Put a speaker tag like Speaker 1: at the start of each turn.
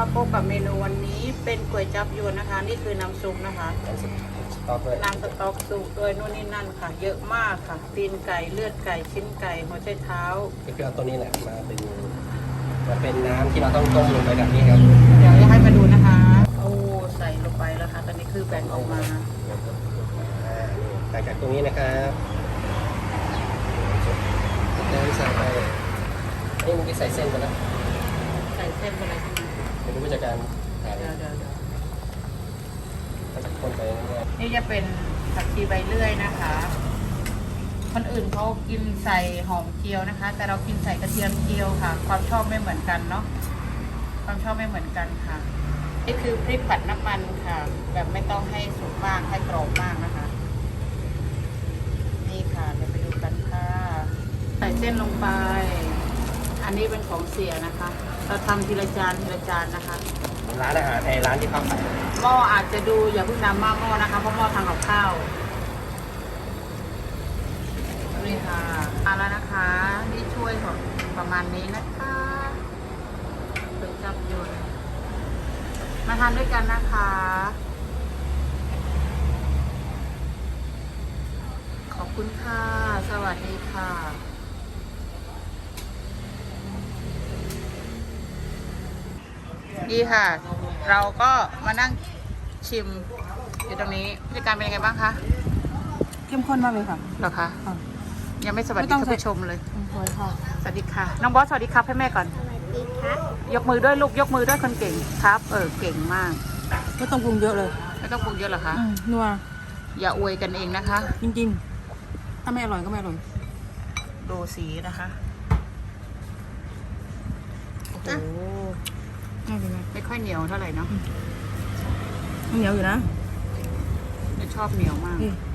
Speaker 1: มาพบกับเมนูวันนี้เป็นก๋วยจั๊บยวนนะคะนี่คือน้ำซุปนะคะน้ำสต๊อกซุปด้วยนู่นนี่นั่นค่ะ เยอะมากค่ะตีนไก่เลือดไก่ชิ้นไก่หัวใจเท้า
Speaker 2: ก็คือเอาตัวนี้แหละมาเป็นน้ำที่เราต้องต้มลงไปแบบนี้ครับ
Speaker 1: เดี๋ยวจะให้มาดูนะคะโอ้ใส่ลงไปแล้วค่ะตอนนี้คือแบ่งออกมา
Speaker 2: หลังจากตรงนี้นะครับน้ำใส่ไปนี่มันใส่เส้นไปแล้ว
Speaker 1: ใส่เส้นไปเลยใช่ไหม
Speaker 2: ไม่รู้ว่าจะการหา
Speaker 1: เดี๋ยว
Speaker 2: ก็จะคนไปเรื่อย
Speaker 1: นี่จะเป็นผักชีใบเลื่อยนะคะ คนอื่นเขากินใส่หอมเจียวนะคะ แต่เรากินใส่กระเทียมเจียวค่ะ ความชอบไม่เหมือนกันเนาะความชอบไม่เหมือนกันค่ะนี่คือพริกผัดน้ำมันค่ะ แบบไม่ต้องให้สุกมากให้กรอบมากนะคะ นี่ค่ะเดี๋ยวไปดูกันค่ะใส่เส้นลงไป อันนี้เป็นของเสียนะคะ เราทำทีละจานทีละจานนะคะ
Speaker 2: ๆร้านอาหารในร้านที่เขาขาย
Speaker 1: หม้ออาจจะดูอย่าเพิ่งนำมากหม้อนะคะเพราะหม้อทำกับข้าวนี่ค่ะมาแล้วนะคะนี่ช่วยของประมาณนี้นะคะถึงจับยนต์มาทานด้วยกันนะคะ ขอบคุณค่ะ สวัสดีค่ะดีค่ะ เราก็มานั่งชิมอยู่ตรงนี้บรรยากาศเป็นยังไงบ้างคะ
Speaker 3: เข้มข้นมากเลยค่ะ
Speaker 1: เหรอคะ
Speaker 3: ค่ะ
Speaker 1: ยังไม่สวัสดี
Speaker 3: ไม่ต้อง
Speaker 1: ท่านผู้ชมเลย
Speaker 3: สวยค่ะ
Speaker 1: สวัสดีค่ะ น้องบอสสวัสดีครับให้แม่ก่อน
Speaker 4: สวัสดีครับ
Speaker 1: ยกมือด้วยลูกยกมือด้วยคนเก่งครับ เก่งมาก
Speaker 3: ไม่ต้องปรุงเยอะเลย
Speaker 1: ไม่ต้องปรุงเยอะเหรอคะ
Speaker 3: นัว
Speaker 1: อย่าอวยกันเองนะคะ
Speaker 3: จริงๆ ถ้าไม่อร่อยก็ไม่อร่อย
Speaker 1: ดูสีนะคะโอ้โห
Speaker 3: ไม่เป็นไร
Speaker 1: ไม่ค่อยเหนียวเท่าไหร่เนาะ
Speaker 3: เหนียวอยู่นะ
Speaker 1: ไม่ชอบเหนียวมาก
Speaker 3: นี่